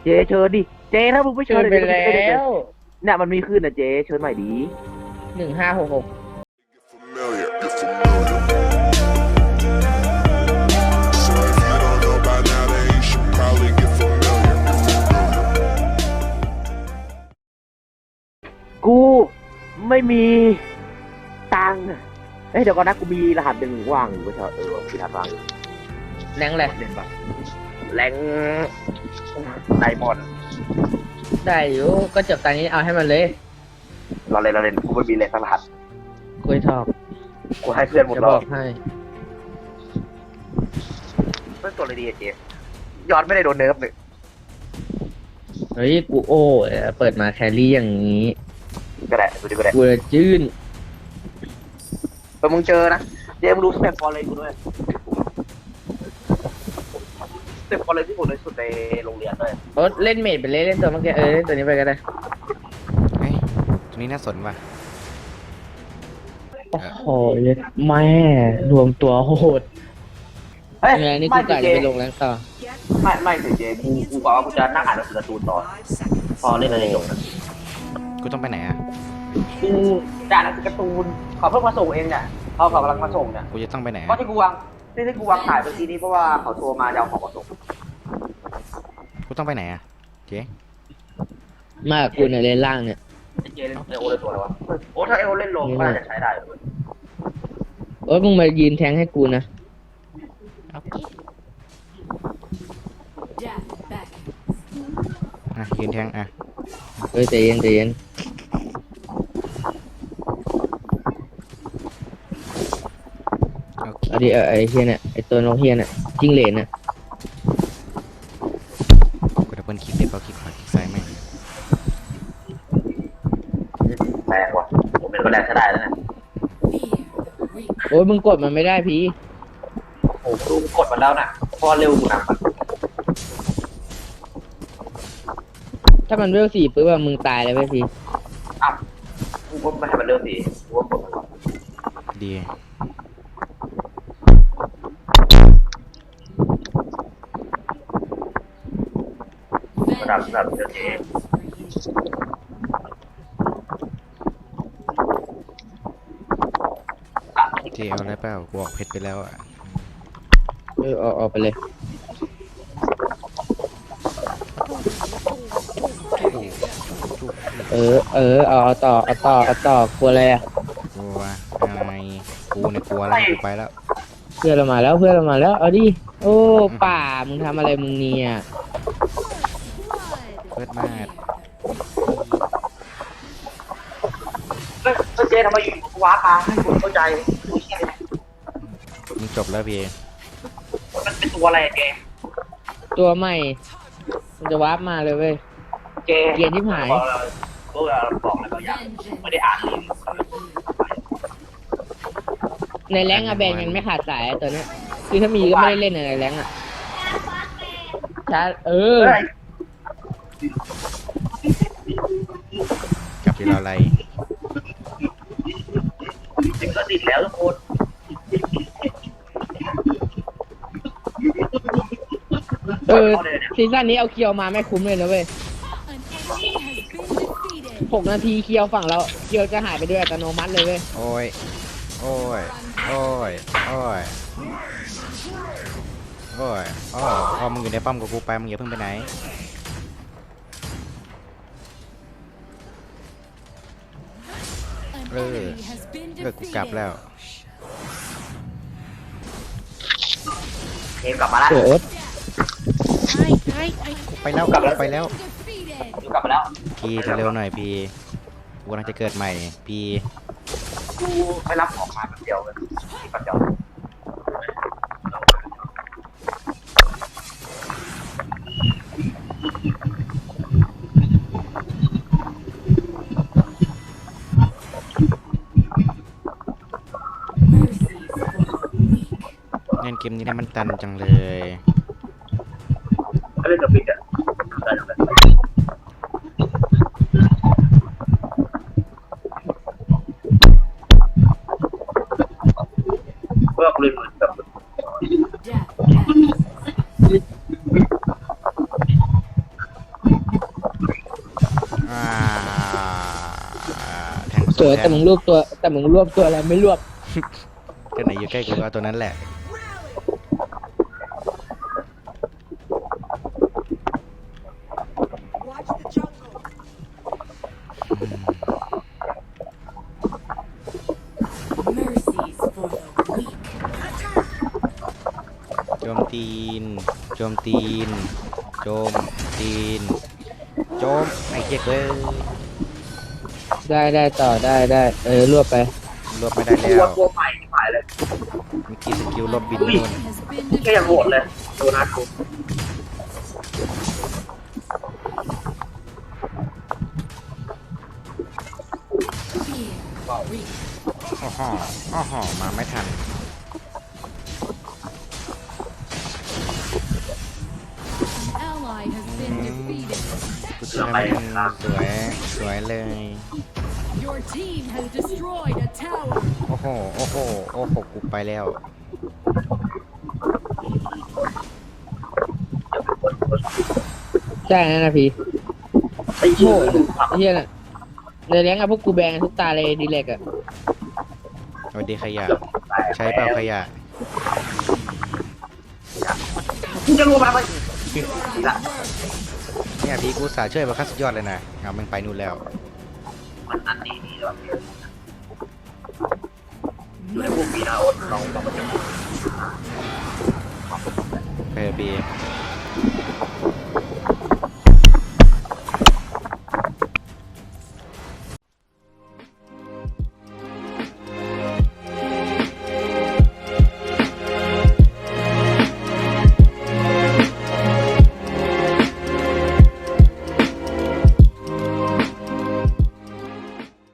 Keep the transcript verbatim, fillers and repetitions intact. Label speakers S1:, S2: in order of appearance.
S1: เจเชิญดิเจถ้ามึงไม่เชิ
S2: เชิ
S1: ญ
S2: ญไปแล้ว
S1: เนี่ยมันมีขึ้นนะเจเชิญใหม่ดี
S2: หนึ่งห้าหกหก
S1: กูไม่มีตังค์เอ้ยเดี๋ยวก่อนนะกูมีรหัสเป็นว่างอยู่ก็เถอะเออมีรหัสว่างอยู่
S2: แรงแหละ
S1: เล่นปะแรงไดมอนด์
S2: ได้อยู่ก็จบตอนนี้เอาให้มันเลย
S1: เราเล่นเราเล่นกูไม่มีเลยสักรหัส
S2: คุยทอก
S1: กูให้เพื่อนหมด
S2: จะ
S1: แล้
S2: บ
S1: ว
S2: อกให้
S1: เพื่อนตัวอะไรดีอะเจยอดไม่ได้โดนเนิร์ฟเลย
S2: เฮ้ยกูโอ้เปิดมาแครี่อย่างนี้
S1: ก็ได้ดูดิก็ได้
S2: กูจะจื้น
S1: แต่มึงเจอนะเจมึงรู้สเต็ปฟอร์เรนกูด้วยสเต็ปฟอร์เรนที่ผมเลยสุดในโรงเรียนด้วย
S2: โอ๊ตเล่นเมดไปเลยเล่นตัวเมื่อกี้เออเล่นตัวนี้ไปก็ได้
S3: เฮ้ยตัวนี้น่าสนว่ะ
S2: โอ้โหแม่รวมตัวโหด
S1: เฮ้ย
S2: ยังไงนี่
S1: ไม่
S2: กูกะ
S1: เจ
S2: จะไปลงแรงต่อ
S1: ไม่ไม่สิเจกูกูบอกว่ากูจะนั่งอ่านหนังสือการ์ตูนต่อพอเล่นอะไรอย่างเงี้ย
S3: กูต้องไปไหนอ่ะ
S1: กูจะอ่านหนังสือการ์ตูนเขาเพิ่งมาส่งเองเนี่ยเขาเขากำลังมาส่งเนี่ย
S3: กูจะต้องไปไหน
S1: เพราะ
S3: อะ
S1: ที่กูวางที่ที่กูวางขายเมื่อกี้นี้เพราะว่าเขาโทรมาจะเอาของมาส่ง
S3: กูต้องไปไหนอ่ะเจ๊
S2: มากกูเนี่ยเล่นล่างเนี่ย
S1: เจเล่นเอโอเล่นตัวอะไรวะโอ้ถ้าเอโอเล่นลงก็น่าจะใช้ได้เลย
S2: โอ๊ตมึงมายืนแทงให้กูนะ
S3: อ่ะยืนแทงอ่ะ
S2: เฮ้ยใจเย็นใจเย็น
S3: โอเค
S2: เอาดิเอาไอ้เฮียเนี่ยไอ้ตัวนกเฮียเนี่ยจิ้งเหลนน่ะ
S3: กูดับเบิลคลิกเด็ดเอาคลิกขวาคลิกซ้ายไม่ง
S1: แรงว่ะผมเป็นก็แรงใช้ได้แล้วเนี่ย
S2: โอ๊ยมึงกดมันไม่ได้พี่
S1: โอ้โหดูกดมาแล้วน่ะพอเร็วกูนำมัน
S2: ถ้ามันเวลสี่ปุ๊บอะมึงตายเลยเว้ยพี่
S1: อ่ะกูก็ไม่ให้มันเร็วสิกูก็กดมันก่อน
S3: ดี
S1: ระดับระดับเจเจ
S3: เจ๊เอาอะไรเปล่ากูออกเพชรไปแล้วอ่ะ
S2: เออออกออกไปเลย เออ เออ เอาเอาต่อ เอาต่อ เอาต่อกลัวอะไรอ่ะ
S3: กลัวอะไรกูเนี่ยกลัวแล้วกูไปแล้ว
S2: เพื่อนเรามาแล้ว เพื่อนเรามาแล้ว เอาดิ โอ้ ป่า มึงทำอะไรมึงเนี่ย
S3: เพิดมาด
S1: เฮ้ยเจทำไมอยู่ว้าปลาให้กูเข้าใจดูเชี่ยเลย
S3: มึงจบแล้วพี่
S1: มันเป็นตัวอะไรอะเจ
S2: ตัวใหม่ มันจะวาร์ปมาเลยเว้ย
S1: เจ
S2: เกลียดที่หาย
S1: พวกเราบอกอะไรบางอย่างไม่ได้อ่านเลย
S2: ในแรงอะแบนยังไม่ขาดสายอะตัวเนี้ย คือถ้ามีก็ไม่ได้เล่นในแรงอะชาร์จเออ
S1: เฮ้ย
S3: กลับที่เราอะไร
S1: ถึงก็ติดแล้วทุกคน
S2: เออ ซีซั่นนี้เอาเคียวมาไม่คุ้มเลยนะเว้ยหกนาทีเคียวฝั่งเราเคียวจะหายไปด้วยอัตโนมัติเลยเว้ย
S3: โอ้ยโอ้ยโอ้ยโอ้ยโอ้ยอ๋ออ๋อมึงอยู่ในป้อมกับกูไปมึงอย่าเพิ่งไปไหนเออเออกูกลับแล้ว
S1: เกมกลับมาแล้ว
S2: เสือโอ๊ต
S3: กูไปแล้วกูไปแล้ว
S1: อยู่กลับมาแล้ว
S3: พี่เร็วๆหน่อยพี่กูกำลังจะเกิดใหม่พี่
S1: กูไปรับของมาแป๊บเดียวเลยแป๊บเดียว
S3: เล่นเกมนี้นะมันตันจังเลย
S1: เล่นกับปิกอะได้ทำไมเพื่อกูเล่นเหมือนกับ
S2: สวยแต่มึงรวบตัว แต่มึงรวบตัวอะไรไม่รวบ
S3: ตัวไหนอยู่ใกล้กูก็เอาตัวนั้นแหละ โจมตีน โจมตีน โจมตีน โจมไอ้เจ๊กเลย
S2: ได้ได้ต่อได้ได้ เออรวบไป
S3: รวบไม่ได้
S1: ตั
S3: แล้ว ว
S1: ตัวใหม่ที่หายเลย
S3: เมื่อกี้สกิลลบบินนู่น
S1: ก็ยังโหดเลยโดนัทกู
S3: อ้อหออ้อหอมาไม่ทัน
S4: Ally has been defeated.
S3: กูช่วยไม่ทันสวย สวยเลย
S4: Your team has destroyed a tower.
S3: โอ้โห โอ้โห โอ้โห กูไปแล้ว
S2: ใช่นั่นนะพี่
S1: ไอ้
S2: โง่
S1: เหี้ย
S2: ไอ้เหี้ยน่ะในแรงอะพวกกูแบงทุกตาเลยดีเล็กอะ
S3: สวัสดีขยะ ใช้เปล่าขยะ
S1: กูจะรู้มาไหม
S3: เนี่ยพี่กูสาช่วยมาขั้นสุดยอดเลยนะเอามันไปนู่นแล้ว
S1: มันอันนี้นี่แล้วเลยพวกมีนาอดลองลองมาจับ
S3: เพอร์บี